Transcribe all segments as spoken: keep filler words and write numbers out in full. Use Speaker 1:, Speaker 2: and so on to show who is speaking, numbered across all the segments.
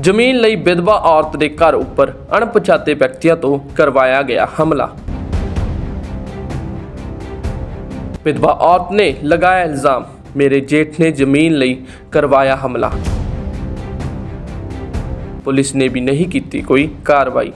Speaker 1: ਜ਼ਮੀਨ ਲਈ ਵਿਧਵਾ ਔਰਤ ਦੇ ਘਰ ਉੱਪਰ ਅਣਪਛਾਤੇ ਵਿਅਕਤੀਆਂ ਤੋਂ ਕਰਵਾਇਆ ਗਿਆ ਹਮਲਾ। ਵਿਧਵਾ ਔਰਤ ਨੇ ਲਗਾਇਆ ਇਲਜ਼ਾਮ, ਮੇਰੇ ਜੇਠ ਨੇ ਜ਼ਮੀਨ ਲਈ ਕਰਵਾਇਆ ਹਮਲਾ। ਪੁਲਿਸ ਨੇ ਵੀ ਨਹੀਂ ਕੀਤੀ ਕੋਈ ਕਾਰਵਾਈ।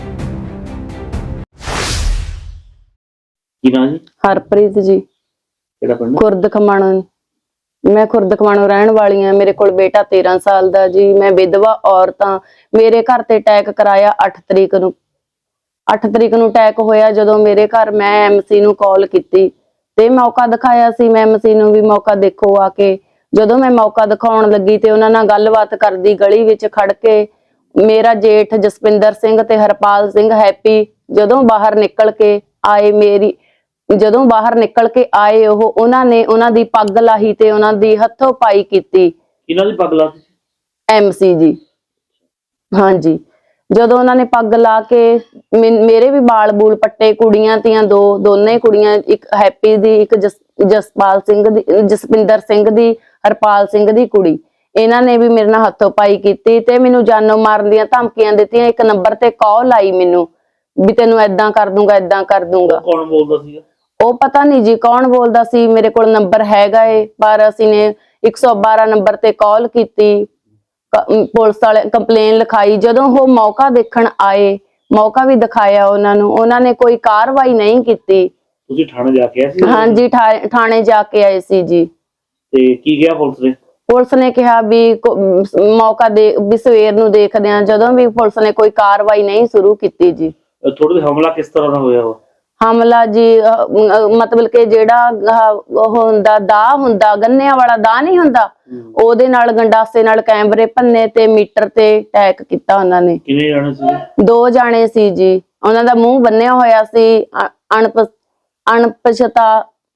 Speaker 2: ਕੀ ਨਾਂ ਜੀ?
Speaker 3: ਹਰਪ੍ਰੀਤ ਜੀ,
Speaker 2: ਕਿਹੜਾ ਪਿੰਡ?
Speaker 3: ਖੁਰਦ ਖਮਾਣੋ। ਮੈਂ ਖੁਰਦ ਖਮਾਣੋ ਰਹਿਣ ਵਾਲੀ ਹਾਂ। ਮੇਰੇ ਕੋਲ ਬੇਟਾ ਤੇਰਾਂ ਸਾਲ ਦਾ ਜੀ। ਮੈਂ ਵਿਧਵਾ ਔਰਤ ਹਾਂ। ਮੇਰੇ ਘਰ ਤੇ ਅਟੈਕ ਕਰਾਇਆ ਅੱਠ ਤਰੀਕ ਨੂੰ। ਅੱਠ ਤਰੀਕ ਨੂੰ ਅਟੈਕ ਹੋਇਆ। ਜਦੋਂ ਮੇਰੇ ਘਰ ਮੈਂ ਐਮਸੀ ਨੂੰ ਕਾਲ ਕੀਤੀ ਤੇ ਮੌਕਾ ਦਿਖਾਇਆ ਸੀ, ਮੈਂ ਐਮਸੀ ਨੂੰ ਵੀ ਮੌਕਾ ਦੇਖੋ ਆ ਕੇ। ਜਦੋਂ ਮੈਂ ਮੌਕਾ ਦਿਖਾਉਣ ਲੱਗੀ ਤੇ ਉਹਨਾਂ ਨਾਲ ਗੱਲਬਾਤ ਕਰਦੀ ਗਲੀ ਵਿੱਚ ਖੜ ਕੇ, ਮੇਰਾ ਜੇਠ ਜਸਪਿੰਦਰ ਸਿੰਘ ਤੇ ਹਰਪਾਲ ਸਿੰਘ ਹੈਪੀ ਜਦੋਂ ਬਾਹਰ ਨਿਕਲ ਕੇ ਆਏ, ਮੇਰੀ ਜਦੋਂ ਬਾਹਰ ਨਿਕਲ ਕੇ ਆਏ ਉਹ ਉਹਨਾਂ ਨੇ ਉਹਨਾਂ ਦੀ ਪੱਗ ਲਾਹੀ ਤੇ ਉਹਨਾਂ ਦੀ ਹੱਥੋਂ ਪਾਈ ਕੀਤੀ।
Speaker 2: ਇਹਨਾਂ ਦੀ ਪੱਗ ਲਾਹੀ?
Speaker 3: ਐਮਸੀ ਜੀ, ਹਾਂਜੀ। ਜਦੋਂ ਉਹਨਾਂ ਨੇ ਪੱਗ ਲਾ ਕੇ ਮੇਰੇ ਵੀ ਬਾਲ ਬੂਲ ਪੱਟੇ, ਕੁੜੀਆਂ ਤੀਆਂ ਦੋ ਦੋਨੇ ਕੁੜੀਆਂ, ਇੱਕ ਹੈਪੀ ਦੀ, ਇੱਕ ਜਸਪਾਲ ਸਿੰਘ ਦੀ, ਜਸਪਿੰਦਰ ਸਿੰਘ ਦੀ, ਹਰਪਾਲ ਸਿੰਘ ਦੀ ਕੁੜੀ, ਇਹਨਾਂ ਨੇ ਵੀ ਮੇਰੇ ਨਾਲ ਹੱਥੋਂ ਪਾਈ ਕੀਤੀ ਤੇ ਮੈਨੂੰ ਜਾਨੋਂ ਮਾਰਨ ਦੀਆਂ ਧਮਕੀਆਂ ਦਿੱਤੀਆਂ। ਇੱਕ ਨੰਬਰ ਤੇ ਕਾਲ ਆਈ ਮੈਨੂੰ ਵੀ ਤੈਨੂੰ ਏਦਾਂ ਕਰ ਦੂੰਗਾ, ਏਦਾਂ ਕਰ ਦੂੰਗਾ।
Speaker 2: ਕੌਣ ਬੋਲਦਾ ਸੀਗਾ? ਉਹ
Speaker 3: ਪਤਾ ਨਹੀਂ ਜੀ ਕੌਣ ਬੋਲਦਾ ਸੀ। ਮੇਰੇ ਕੋਲ ਨੰਬਰ ਹੈਗਾ ਏ, ਪਰ ਅਸੀਂ ਨੇ ਇੱਕ ਸੌ ਬਾਰਾਂ ਨੰਬਰ ਤੇ ਕਾਲ ਕੀਤੀ, ਪੁਲਿਸ ਵਾਲੇ ਕੰਪਲੇਨ ਲਿਖਾਈ। ਜਦੋਂ ਉਹ ਮੌਕਾ ਦੇਖਣ ਆਏ, ਮੌਕਾ ਵੀ ਦਿਖਾਇਆ ਉਹਨਾਂ ਨੂੰ, ਉਹਨਾਂ ਨੇ ਕੋਈ ਕਾਰਵਾਈ ਨਹੀਂ ਕੀਤੀ।
Speaker 2: ਤੁਸੀਂ ਥਾਣੇ ਜਾ ਕੇ ਆਏ ਸੀ?
Speaker 3: ਹਾਂਜੀ, ਥਾਣੇ ਜਾ ਕੇ ਆਏ ਸੀ ਜੀ।
Speaker 2: ਤੇ ਕੀ ਕਿਹਾ ਪੁਲਿਸ ਨੇ? ਪੁਲਿਸ
Speaker 3: ਨੇ ਕਿਹਾ ਵੀ ਮੌਕਾ ਦੇ ਵੀ ਸਵੇਰ ਨੂੰ ਦੇਖਦੇ ਆ। ਜਦੋਂ ਵੀ ਪੁਲਿਸ ਨੇ ਕੋਈ ਕਾਰਵਾਈ ਨਹੀਂ ਸ਼ੁਰੂ ਕੀਤੀ ਜੀ।
Speaker 2: ਥੋੜਾ ਜਿਹਾ ਹਮਲਾ ਕਿਸ ਤਰ੍ਹਾਂ ਦਾ ਹੋਇਆ? ਉਹ
Speaker 3: ਹਮਲਾ ਜੀ ਮਤਲਬ ਕਿ ਜਿਹੜਾ ਉਹ ਹੁੰਦਾ ਦਾ ਹੁੰਦਾ ਗੰਨਿਆਂ ਵਾਲਾ ਦਾ ਨਹੀਂ ਹੁੰਦਾ, ਉਹਦੇ ਨਾਲ ਗੰਡਾਸੇ ਨਾਲ ਕੈਮਰੇ ਭੰਨੇ ਤੇ ਮੀਟਰ ਤੇ ਅਟੈਕ ਕੀਤਾ ਉਹਨਾਂ ਨੇ।
Speaker 2: ਕਿੰਨੇ ਜਾਣੇ ਸੀ?
Speaker 3: ਦੋ ਜਾਣੇ ਸੀ ਜੀ। ਉਹਨਾਂ ਦਾ ਮੂੰਹ ਬੰਨਿਆ ਹੋਇਆ ਸੀ, ਅਣਪ ਅਣਪਛਾਤਾ।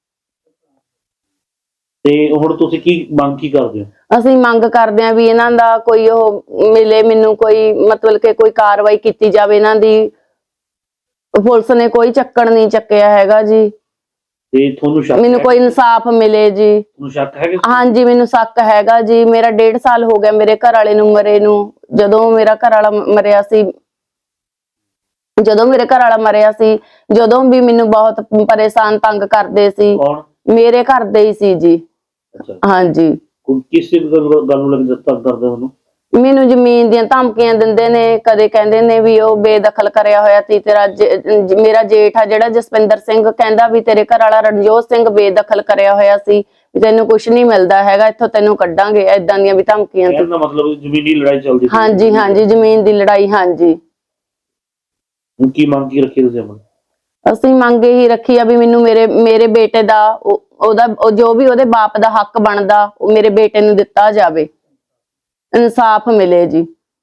Speaker 2: ਤੇ ਹੁਣ ਤੁਸੀਂ ਕੀ ਮੰਗ ਕੀ ਕਰਦੇ ਹੋ?
Speaker 3: ਅਸੀਂ ਮੰਗ ਕਰਦੇ ਹਾਂ ਵੀ ਇਹਨਾਂ ਦਾ ਕੋਈ ਉਹ ਮਿਲੇ, ਮੈਨੂੰ ਕੋਈ ਮਤਲਬ ਕਿ ਕੋਈ ਕਾਰਵਾਈ ਕੀਤੀ ਜਾਵੇ ਇਹਨਾਂ ਦੀ। ਪੁਲਿਸ ਨੇ ਕੋਈ ਚੱਕਣ ਨਹੀਂ ਚੱਕਿਆ ਹੈਗਾ ਜੀ।
Speaker 2: ਤੇ ਤੁਹਾਨੂੰ ਸ਼ੱਕ?
Speaker 3: ਮੈਨੂੰ ਕੋਈ ਇਨਸਾਫ ਮਿਲੇ ਜੀ।
Speaker 2: ਤੁਹਾਨੂੰ ਸ਼ੱਕ ਹੈ?
Speaker 3: ਹਾਂਜੀ, ਮੈਨੂੰ ਸ਼ੱਕ ਹੈਗਾ ਜੀ। ਮੇਰਾ ਡੇਢ ਸਾਲ ਹੋ ਗਿਆ ਮੇਰੇ ਘਰ ਵਾਲੇ ਨੂੰ ਮਰੇ ਨੂੰ। ਜਦੋਂ ਮੇਰਾ ਘਰ ਵਾਲਾ ਮਰਿਆ ਸੀ ਜਦੋਂ ਮੇਰੇ ਘਰ ਵਾਲਾ ਮਰਿਆ ਸੀ ਜਦੋਂ ਵੀ ਮੈਨੂੰ ਬਹੁਤ ਪਰੇਸ਼ਾਨ ਤੰਗ ਕਰਦੇ ਸੀ।
Speaker 2: ਕੌਣ? ਮੇਰੇ
Speaker 3: ਘਰ ਦੇ ਹੀ ਸੀ ਜੀ। ਹਾਂਜੀ।
Speaker 2: ਕਿਸ ਗੱਲ ਨੂੰ ਲੱਗ ਤੰਗ ਕਰਦੇ ਉਹਨੂੰ?
Speaker 3: ਮੈਨੂੰ ਜ਼ਮੀਨ ਦੀਆਂ ਧਮਕੀਆਂ ਦਿੰਦੇ ਨੇ। ਕਦੇ ਕਹਿੰਦੇ ਨੇ ਵੀ ਉਹ ਬੇਦਖਲ ਕਰਿਆ ਹੋਇਆ ਸੀ ਤੇਰਾ ਮੇਰਾ ਜੇਠ ਆ ਜਿਹੜਾ ਜਸਪਿੰਦਰ ਸਿੰਘ, ਕਹਿੰਦਾ ਵੀ ਤੇਰੇ ਘਰ ਵਾਲਾ ਰਣਜੋਤ ਸਿੰਘ ਬੇਦਖਲ ਕਰਿਆ ਹੋਇਆ ਸੀ, ਵੀ ਤੈਨੂੰ ਕੁਛ ਨਹੀਂ ਮਿਲਦਾ ਹੈਗਾ, ਇੱਥੋਂ ਤੈਨੂੰ ਕੱਢਾਂਗੇ। ਏਦਾਂ ਦੀਆਂ ਵੀ ਧਮਕੀਆਂ ਸੀ।
Speaker 2: ਮਤਲਬ ਜ਼ਮੀਨੀ ਲੜਾਈ ਚੱਲਦੀ ਸੀ?
Speaker 3: ਹਾਂਜੀ ਹਾਂਜੀ, ਜ਼ਮੀਨ ਦੀ ਲੜਾਈ। ਹਾਂਜੀ।
Speaker 2: ਹੁਣ ਕੀ ਮੰਗ ਕੀ ਰੱਖੀ ਤੁਸੀਂ?
Speaker 3: ਅਸੀਂ ਮੰਗ ਇਹੀ ਰੱਖੀ ਆ ਵੀ ਮੈਨੂੰ ਮੇਰੇ ਮੇਰੇ ਬੇਟੇ ਦਾ ਉਹਦਾ ਜੋ ਵੀ ਉਹਦੇ ਬਾਪ ਦਾ ਹੱਕ ਬਣਦਾ ਉਹ ਮੇਰੇ ਬੇਟੇ ਨੂੰ ਦਿੱਤਾ ਜਾਵੇ, ਇਨਸਾਫ ਮਿਲੇ ਜੀ।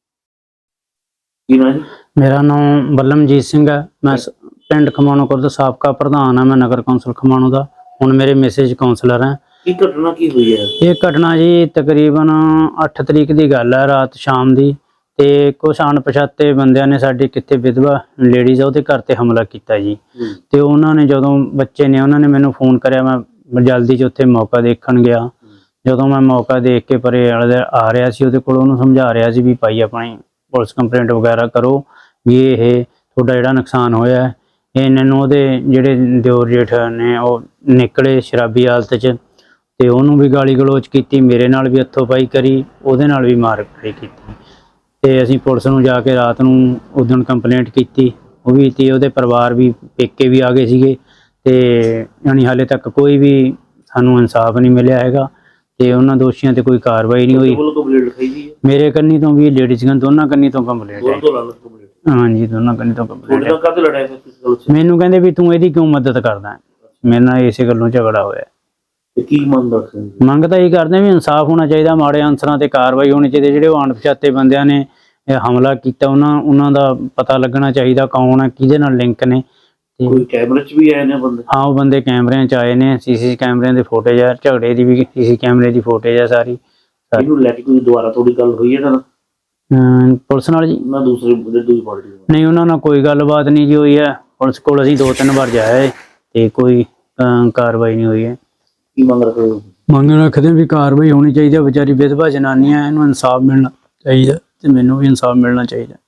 Speaker 2: ਕੀ ਨਾਂ ਜੀ?
Speaker 4: ਮੇਰਾ ਨਾਮ ਬੱਲਮਜੀਤ ਸਿੰਘ ਹੈ। ਮੈਂ ਪਿੰਡ ਖਮਾਣੋ ਖੁਰਦ ਸਾਬਕਾ ਪ੍ਰਧਾਨ ਹਾਂ। ਮੈਂ ਨਗਰ ਕੌਂਸਲ ਖਮਾਣੋ ਦਾ। ਹੁਣ ਮੇਰੇ ਮੈਸੇਜ ਕਾਉਂਸਲਰ ਹੈ।
Speaker 2: ਕੀ ਘਟਨਾ ਕੀ ਹੋਈ ਹੈ?
Speaker 4: ਇਹ ਘਟਨਾ ਜੀ ਤਕਰੀਬਨ ਅੱਠ ਤਰੀਕ ਦੀ ਗੱਲ ਹੈ, ਰਾਤ ਸ਼ਾਮ ਦੀ। ਤੇ ਕੁਛ ਅਣਪਛਾਤੇ ਬੰਦਿਆਂ ਨੇ ਸਾਡੀ ਕਿੱਥੇ ਵਿਧਵਾ ਲੇਡੀਜ਼ ਆ ਉਹਦੇ ਘਰ ਤੇ ਹਮਲਾ ਕੀਤਾ ਜੀ। ਤੇ ਉਹਨਾਂ ਨੇ ਜਦੋਂ ਬੱਚੇ ਨੇ ਉਹਨਾਂ ਨੇ ਮੈਨੂੰ ਫੋਨ ਕਰਿਆ, ਮੈਂ ਜਲਦੀ 'ਚ ਉੱਥੇ ਮੌਕਾ ਦੇਖਣ ਗਿਆ। ਜਦੋਂ ਮੈਂ ਮੌਕਾ ਦੇਖ ਕੇ ਪਰੇ ਆ ਰਿਹਾ ਸੀ ਉਹਦੇ ਕੋਲ, ਉਹਨੂੰ ਸਮਝਾ ਰਿਹਾ ਸੀ ਵੀ ਭਾਈ ਆਪਣੀ ਪੁਲਿਸ ਕੰਪਲੇਂਟ ਵਗੈਰਾ ਕਰੋ ਵੀ ਇਹ ਤੁਹਾਡਾ ਜਿਹੜਾ ਨੁਕਸਾਨ ਹੋਇਆ। ਇਹਨਾਂ ਨੂੰ ਉਹਦੇ ਜਿਹੜੇ ਦਿਓਰ ਜੇਠ ਨੇ ਉਹ ਨਿਕਲੇ ਸ਼ਰਾਬੀ ਹਾਲਤ 'ਚ ਤੇ ਉਹਨੂੰ ਵੀ ਗਾਲੀ ਗਲੋਚ ਕੀਤੀ, ਮੇਰੇ ਨਾਲ ਵੀ ਹੱਥੋਂ ਪਾਈ ਕਰੀ, ਉਹਦੇ ਨਾਲ ਵੀ ਮਾਰ ਕੁਟਾਈ ਕੀਤੀ। ਤੇ ਅਸੀਂ ਪੁਲਿਸ ਨੂੰ ਜਾ ਕੇ ਰਾਤ ਨੂੰ ਉਦਣ ਕੰਪਲੇਂਟ ਕੀਤੀ, ਉਹ ਵੀ ਤੇ ਉਹਦੇ ਪਰਿਵਾਰ ਵੀ ਪੇਕੇ ਵੀ ਆ ਗਏ ਸੀਗੇ। ਤੇ ਯਾਨੀ ਹਾਲੇ ਤੱਕ ਕੋਈ ਵੀ ਸਾਨੂੰ ਇਨਸਾਫ ਨਹੀਂ ਮਿਲਿਆ ਹੈਗਾ ਤੇ ਉਹਨਾਂ ਦੋਸ਼ੀਆਂ ਤੇ ਕੋਈ ਕਾਰਵਾਈ ਨਹੀਂ ਹੋਈ। ਮੇਰੇ ਕੰਨੀ ਤੋਂ ਵੀ ਲੇਡੀਜ਼ ਦੋਨਾਂ ਕੰਨੀ ਤੋਂ ਕੰਪਲੇਂਟ ਹੈ। ਹਾਂਜੀ, ਦੋਨਾਂ ਕੰਨੀ ਤੋਂ ਕੰਪਲੇਂਟ। ਮੈਨੂੰ ਕਹਿੰਦੇ ਵੀ ਤੂੰ ਇਹਦੀ ਕਿਉਂ ਮਦਦ ਕਰਦਾ? ਮੇਰੇ ਨਾਲ ਇਸੇ ਗੱਲੋਂ ਝਗੜਾ ਹੋਇਆ।
Speaker 2: ਕੀ ਮੰਗ
Speaker 4: ਮੰਗ ਤਾਂ ਇਹ ਕਰਦੇ ਵੀ ਇਨਸਾਫ ਹੋਣਾ ਚਾਹੀਦਾ, ਮਾੜੇ ਅਨਸਰਾਂ ਤੇ ਕਾਰਵਾਈ ਹੋਣੀ ਚਾਹੀਦੀ। ਜਿਹੜੇ ਉਹ ਅਣਪਛਾਤੇ ਬੰਦਿਆਂ ਨੇ ਹਮਲਾ ਕੀਤਾ ਉਹਨਾਂ ਉਹਨਾਂ ਦਾ ਪਤਾ ਲੱਗਣਾ ਚਾਹੀਦਾ ਕੌਣ ਹੈ, ਕਿਹਦੇ ਨਾਲ ਲਿੰਕ ਨੇ।
Speaker 2: ਕੋਈ ਕੈਮਰੇ 'ਚ ਵੀ ਆਏ ਨੇ ਬੰਦੇ?
Speaker 4: ਹਾਂ, ਉਹ ਬੰਦੇ ਕੈਮਰਿਆਂ 'ਚ ਆਏ ਨੇ। ਸੀਸੀ ਕੈਮਰਿਆਂ ਦੇ ਫੁਟੇਜ ਆ, ਝਗੜੇ ਦੀ ਵੀ ਸੀਸੀ ਕੈਮਰੇ ਦੀ ਫੁਟੇਜ ਆ ਸਾਰੀ।
Speaker 2: ਇਹਨੂੰ ਲੈ ਕੇ ਕੋਈ ਦੁਬਾਰਾ ਥੋੜੀ ਗੱਲ ਹੋਈ ਹੈ ਨਾ
Speaker 4: ਪੁਲਿਸ ਨਾਲ ਜੀ?
Speaker 2: ਨਾ ਦੂਸਰੀ ਦੂਜੀ ਪਾਰਟੀ
Speaker 4: ਨਹੀਂ, ਉਹਨਾਂ ਨਾਲ ਕੋਈ ਗੱਲਬਾਤ ਨਹੀਂ ਜੀ ਹੋਈ ਹੈ। ਪੁਲਿਸ ਕੋਲ ਅਸੀਂ ਦੋ ਤਿੰਨ ਵਾਰ ਜਾਏ ਤੇ ਕੋਈ ਕਾਰਵਾਈ ਨਹੀਂ ਹੋਈ ਹੈ।
Speaker 2: ਕੀ ਮੰਗ ਰੱਖਦੇ?
Speaker 4: ਮੰਗ ਰੱਖਦੇ ਵੀ ਕਾਰਵਾਈ ਹੋਣੀ ਚਾਹੀਦੀ ਹੈ। ਵਿਚਾਰੀ ਵਿਧਵਾ ਜਨਾਨੀਆਂ, ਇਹਨੂੰ ਇਨਸਾਫ ਮਿਲਣਾ ਚਾਹੀਦਾ। ਤੇ ਮੈਨੂੰ ਵੀ ਇਨਸਾਫ ਮਿਲਣਾ ਚਾਹੀਦਾ।